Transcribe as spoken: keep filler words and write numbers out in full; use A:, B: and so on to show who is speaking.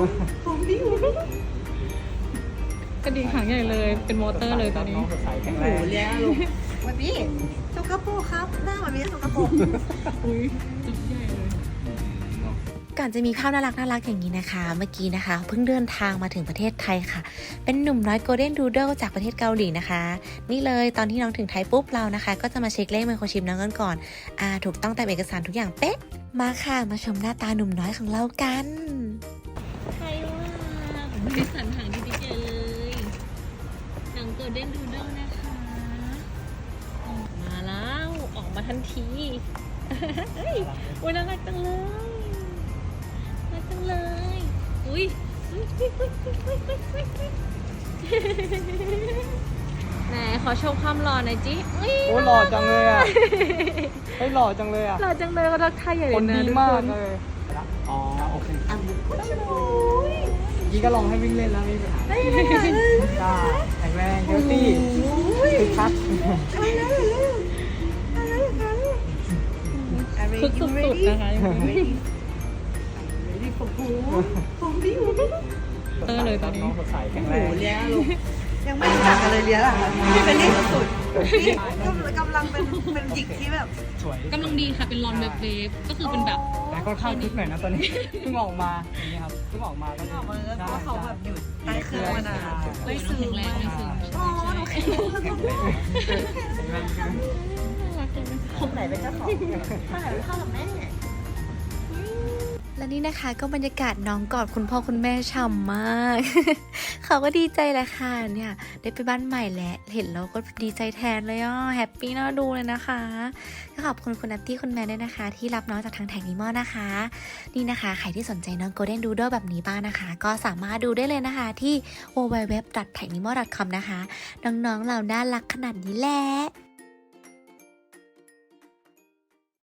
A: ผมดิ้ว
B: กระดิ่งหางใหญ่เลยเป็นมอเตอร์เลยตอนนี้
C: สดใสแข็ง
A: โอ้
C: แร
A: โห
C: ง
A: เลี้ยงลูกวันนี้สกปรกครับหน้ามันมีสกปรก
B: อุ้ยจุดใหญ่เลย
D: ก่อนจะมีภาพน่ารักน่ารักอย่างนี้นะคะ เมื่อกี้นะคะเพิ่งเดินทางมาถึงประเทศไทยค่ะเป็นหนุ่มน้อยโกลเด้นดูเดิลจากประเทศเกาหลีนะคะนี่เลยตอนที่น้องถึงไทยปุ๊บเรานะคะก็จะมาเช็คเลขไมโครชิปน้องกันก่อนอ่าถูกต้องตามเอกสารทุกอย่างเป๊ะมาค่ะมาชมหน้าตาหนุ่มน้อยของเรากันใครว่า
B: มีสันหางดีๆเลยหนังโกลเด้นดูเดิลนะคะออกมาแล้วออกมาทันทีเฮ้ยอุ้ยน่ารักจังเลยน่ารักจังเลยอุ้ยอุ๊ยอุ๊ยอุ๊ยอุ๊ยอุ๊ยอุ๊ยอุ๊ยอุ๊ยไหนขอชมความหล่อหน่อยจิอุ๊ย
C: โอ้หล่อจังเลยอ่ะเฮ้ยหล่อจังเลยอ่ะ
B: หล่อจังเลยเขาทักทายใหญ่เล
C: ค
B: ย
C: น
B: นะ
C: ดี
B: ทุก
C: มาก
B: คน
C: เลยอ๋อโอเค
A: อ่ะมุกโอ้ย
C: ยี่ก็ลองให้วิ่งเล่นแล้วไม่มีปัญหา
A: ได้เลยค่ะ
C: ได้แข็งแรงเฮลตี้คึกคัก
A: อะไรนะอะไรนะอะไร
B: คึกสุดๆนะคะยังไม่
A: ready for pool ผมดิ้ว
B: เตอร์เลยตอนนี้
C: สดใสแข็
A: โอ้
C: ง
A: โห
C: แรง
A: เลี้ยงลูกยังไม่รู้จักกันเลยเลี้ยงอ่ะพี่เป็นนี่สุดๆนี่กำลังเป็นเป็นหยิกที่แบบ
C: สวย
B: กำลังดีค่ะ เป็นรอนเวฟเวฟก็คือเป็นแบบ
C: แต่ค่อนข้างคึกหน่อยนะตอนนี้เพิ่งออกมาอย่างนี้ครับเพิ่งออกมาก็
A: ออกมาแล้วเพราะว่าเขาแบบหยุดใต้เครื่องมานานไม่ซึม
B: แข็งแรงไม่ซึม
A: โอ้หนูแข็งแรง
C: แข็งแรงขึ้น
A: คนไหนเป็นเจ้าของคนไหนเป็นพ่อกับแม่
D: และนี่นะคะก็บรรยากาศน้องกอดคุณพ่อคุณแม่ฉ่ำมาก เขาก็ดีใจแหละค่ะเนี่ยได้ไปบ้านใหม่แล้วเห็นแล้วก็ดีใจแทนเลยอ่ะแฮปปี้น่าดูเลยนะคะก็ขอบคุณคุณนัตตี้คุณแม่ด้วยนะคะ ที่รับน้องจากทางแท็กนิมอนะคะ นี่นะคะใครที่สนใจน้องโกลเด้นดูโดแบบนี้บ้างนะคะ ก็สามารถดูได้เลยนะคะที่ ดับเบิลยู ดับเบิลยู ดับเบิลยู ดอท แท็กนิมอ ดอท คอม นะคะน้องๆเราน่ารักขนาดนี้แหละ